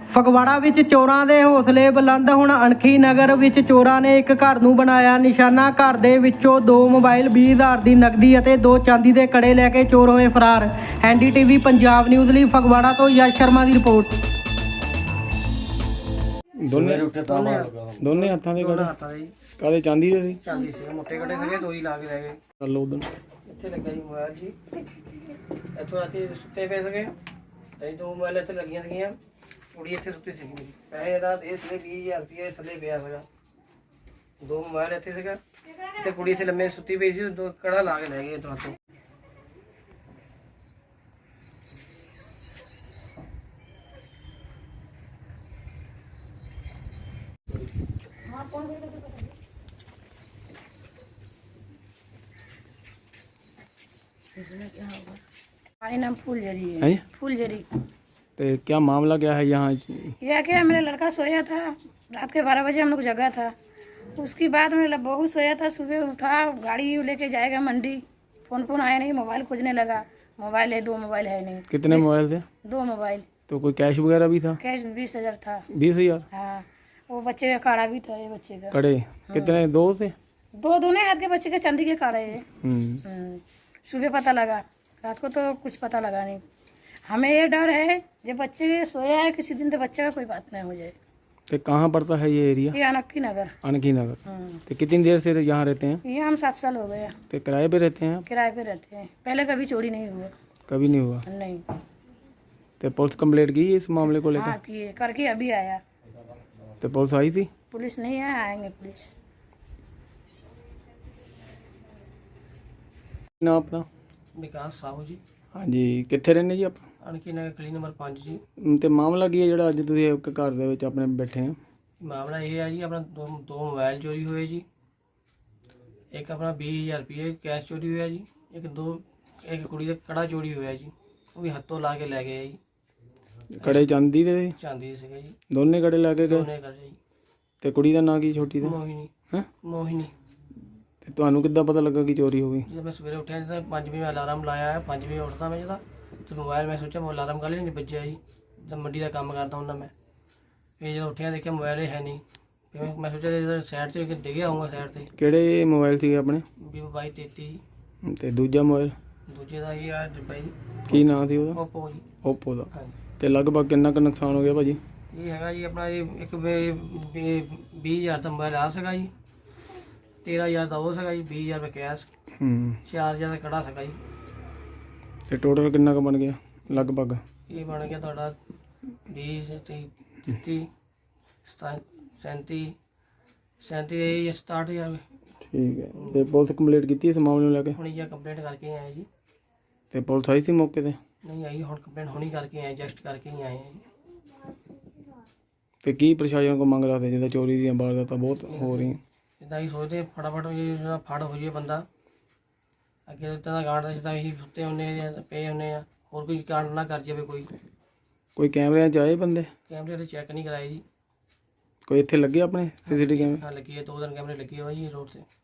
ਫਗਵਾੜਾ ਵਿੱਚ ਚੋਰਾਂ ਦੇ ਹੌਸਲੇ ਬੁਲੰਦ। ਹੁਣ ਅਣਖੀ ਨਗਰ ਵਿੱਚ ਚੋਰਾਂ ਨੇ ਇੱਕ ਘਰ ਨੂੰ ਬਣਾਇਆ ਨਿਸ਼ਾਨਾ। ਘਰ ਦੇ ਵਿੱਚੋਂ 2 ਮੋਬਾਈਲ, 20,000 ਦੀ ਨਕਦੀ ਅਤੇ 2 ਚਾਂਦੀ ਦੇ ਕੜੇ ਲੈ ਕੇ ਚੋਰ ਹੋਏ ਫਰਾਰ। NDTV ਪੰਜਾਬ ਨਿਊਜ਼ ਲਈ ਫਗਵਾੜਾ ਤੋਂ ਯਸ਼ ਸ਼ਰਮਾ ਦੀ ਰਿਪੋਰਟ। ਦੋਨੇ ਹੱਥਾਂ ਦੇ ਕੜੇ ਕਾਦੇ ਚਾਂਦੀ ਦੇ ਸੀ? ਚਾਂਦੀ ਸੀ, ਮੋਟੇ ਕੜੇ ਸੀਗੇ, 2 ਹੀ ਲਾ ਕੇ ਰਹਿ ਗਏ। ਕਰ ਲਓ ਉਦੋਂ ਇੱਥੇ ਲੱਗਾ ਜੀ ਮੋਬਾਈਲ ਜੀ, ਇੱਥੋਂ ਅਸੀਂ ਸੁੱਤੇ ਪਏ ਸੀਗੇ ਤੇ 2 ਮੋਬਾਈਲ ਇੱਥੇ ਲੱਗੀਆਂ ਸੀਗੀਆਂ। ਕੁੜੀ ਇੱਥੇ ਸੁੱਤੀ ਸੀਗੀ ਮੇਰੀ, ਪੈਸੇ ਦਾ ਇਹ ਥੱਲੇ 20,000 ਰੁਪਏ ਥੱਲੇ ਪਿਆ ਸੀਗਾ। 2 ਮੋਬਾਈਲ ਇੱਥੇ ਸੀਗਾ ਤੇ ਕੁੜੀ ਇੱਥੇ ਲੰਮੇ ਸੁੱਤੀ ਪਈ ਸੀ, 2 ਕੜਾ ਲਾ ਕੇ ਲੈ ਗਏ ਇੱਥੋਂ ਹੱਥੋਂ। हमारा नाम फूलझरी है? है। फूलझरी। तो क्या मामला क्या है यहाँ? यह क्या, मेरा लड़का सोया था रात के 12 बजे, हम लोग जगा था। उसके बाद मेरा बहू सोया था, सुबह उठा, गाड़ी लेके जाएगा मंडी, फोन आया नहीं, मोबाइल खोजने लगा। मोबाइल है, 2 मोबाइल है नहीं। कितने मोबाइल थे? 2 मोबाइल। तो कोई कैश वगैरह भी था? कैश 20,000 था। 20,000? हाँ, वो बच्चे का काड़ा भी था, ये बच्चे का कड़े कितने? 2 थे? 2 दोनों हाथ के बच्चे के चांदी के काड़े है। सुबह पता लगा, रात को तो कुछ पता लगा नहीं। हमें ये डर है जब बच्चे सोया है किसी दिन तो बच्चे का कोई बात नहीं हो जाए। तो कहाँ पड़ता है ये एरिया? ये अनक्की नगर। अनकी नगर। तो कितनी देर से यहाँ रहते हैं? ये हम 7 साल हो गए। तो किराए पे रहते हैं? किराए पे रहते हैं, पहले कभी चोरी नहीं हुआ। कभी नहीं हुआ? नहीं। तो पुलिस कंप्लेंट की इस मामले को लेकर? हाँ किए, करके अभी आया। तो पुलिस आई थी? पुलिस नहीं है, आएंगे पुलिस। ना अपना विकास साहू जी। हाँ जी, कितने रहने जी आप? ਅਣਖੀ ਨਗਰ ਗਲੀ ਨੰਬਰ 5 ਜੀ। तो मामला की है ਜਿਹੜਾ ਅੱਜ ਤੁਸੀਂ ਇੱਕ ਘਰ ਦੇ ਵਿੱਚ ਆਪਣੇ ਬੈਠੇ ਆ? ਮਾਮਲਾ ਇਹ ਹੈ ਜੀ, ਆਪਣਾ 2 ਮੋਬਾਈਲ ਚੋਰੀ ਹੋਏ ਜੀ, ਇੱਕ ਆਪਣਾ 20,000 ਰੁਪਏ ਕੈਸ਼ ਚੋਰੀ ਹੋਇਆ ਜੀ, ਇੱਕ ਕੁੜੀ ਦਾ ਕੜਾ ਚੋਰੀ ਹੋਇਆ ਜੀ, ਉਹ ਵੀ ਹੱਥੋਂ ਲਾ ਕੇ ਲੈ ਗਏ ਜੀ। ਕੜੇ ਚਾਂਦੀ ਦੇ? ਚਾਂਦੀ ਦੇ ਸੀਗੇ ਜੀ, ਦੋਨੇ ਕੜੇ ਲੈ ਕੇ ਗਏ? ਦੋਨੇ ਕਰ ਜੀ। ਤੇ ਕੁੜੀ ਦਾ ਨਾਂ ਕੀ ਛੋਟੀ ਦਾ? ਮੋਹਿਨੀ। ਹੈ? ਮੋਹਿਨੀ। ਤੇ ਤੁਹਾਨੂੰ ਕਿੱਦਾਂ ਪਤਾ ਲੱਗਾ ਕਿ ਚੋਰੀ ਹੋ ਗਈ? ਜਦੋਂ ਮੈਂ ਸਵੇਰੇ ਉੱਠਿਆ ਜਦੋਂ 5 ਵਜੇ ਅਲਾਰਮ ਲਾਇਆ ਹੈ, 5 ਵਜੇ ਉੱਠਦਾ ਮੈਂ ਜਦੋਂ, ਤੇ ਮੋਬਾਈਲ ਮੈਂ ਸੋਚਿਆ ਮੈਂ ਅਲਾਰਮ ਕਾਹਲੇ ਨਹੀਂ ਵੱਜਿਆ ਜੀ, ਜਦ ਮੰਡੀ ਦਾ ਕੰਮ ਕਰਦਾ ਹੁੰਦਾ ਮੈਂ। ਫਿਰ ਜਦੋਂ ਉੱਠਿਆ ਦੇਖਿਆ ਮੋਬਾਈਲ ਹੈ ਨਹੀਂ, ਫਿਰ ਮੈਂ ਸੋਚਿਆ ਜਦੋਂ ਸਾਈਡ 'ਤੇ ਡਿੱਗਿਆ ਹੋਊਗਾ ਸਾਈਡ 'ਤੇ। ਕਿਹੜੇ ਮੋਬਾਈਲ ਸੀ ਆਪਣੇ? Vivo Y33। ਤੇ ਦੂਜਾ ਮੋਬਾਈਲ? ਦੂਜੇ ਦਾ ਇਹ ਆ ਡੱਬਾ ਜੀ। ਕੀ ਨਾਂ ਸੀ ਉਹਦਾ? Oppo ਜੀ। Oppo ਦਾ। ਹਾਂਜੀ। ਤੇ ਲਗਭਗ ਕਿੰਨਾ ਕੁ ਨੁਕਸਾਨ ਹੋ ਗਿਆ ਭਾਜੀ? ਇਹ ਹੈਗਾ ਜੀ ਆਪਣਾ ਜੀ ਇੱਕ 20,000 ਦਾ ਮੋਬਾਈਲ ਆ ਸੀਗਾ ਜੀ, 13,000 ਦਾ ਉਹ ਸੀਗਾ ਜੀ, 20,000 ਰੁਪਏ ਕੈਸ਼, 4,000 ਦਾ ਕੜਾ ਸੀਗਾ ਜੀ। ਤੇ ਟੋਟਲ ਕਿੰਨਾ ਕੁ ਬਣ ਗਿਆ ਲਗਭਗ? ਇਹ ਬਣ ਗਿਆ ਤੁਹਾਡਾ 20, 30, 37, 60,000। ਠੀਕ ਹੈ। ਤੇ ਪੁਲਿਸ ਕੰਪਲੀਟ ਕੀਤੀ ਇਸ ਮਾਮਲੇ ਨੂੰ ਲੈ ਕੇ? ਹੁਣ ਇਹ ਕੰਪਲੇਂਟ ਕਰਕੇ ਆਏ ਜੀ। ਤੇ ਪੁਲਿਸ ਆਈ ਸੀ ਮੌਕੇ ਤੇ? ਨਹੀਂ ਆਈ, ਹੁਣ ਕੰਪਲੇਂਟ ਹੁਣੀ ਕਰਕੇ ਆਏ, ਜਸਟ ਕਰਕੇ ਹੀ ਆਏ ਆ ਜੀ। ਤੇ ਕੀ ਪ੍ਰਸ਼ਾਸਨ ਕੋ ਮੰਗ ਰੱਖਦੇ ਜਿੱਦਾਂ ਚੋਰੀ ਦੀਆਂ ਵਾਰਦਾਤਾਂ ਬਹੁਤ ਹੋ ਰਹੀਆਂ? ਇੱਦਾਂ ਹੀ ਸੋਚਦੇ ਫਟਾਫਟ ਜਿਹੜਾ ਫੜ ਹੋ ਜਾਏ ਬੰਦਾ, ਅੱਗੇ ਇੱਦਾਂ ਦਾ ਕਾਂਡ ਜਿੱਦਾਂ ਅਸੀਂ ਸੁੱਤੇ ਹੁੰਦੇ ਜਾਂ ਪਏ ਹੁੰਦੇ ਆ, ਹੋਰ ਕੋਈ ਕਾਂਡ ਨਾ ਕਰ ਜਾਵੇ ਕੋਈ। ਕੋਈ ਕੈਮਰਿਆਂ 'ਚ ਆਏ ਬੰਦੇ? ਕੈਮਰੇ ਦੇ ਚੈੱਕ ਨਹੀਂ ਕਰਾਏ ਜੀ। ਕੋਈ ਇੱਥੇ ਲੱਗੇ ਆਪਣੇ CCTV ਕੈਮਰੇ? ਹਾਂ ਲੱਗੀ ਹੈ, 2 ਦਿਨ ਕੈਮਰੇ ਲੱਗੇ ਹੋਏ ਜੀ ਰੋਡ ਤੇ।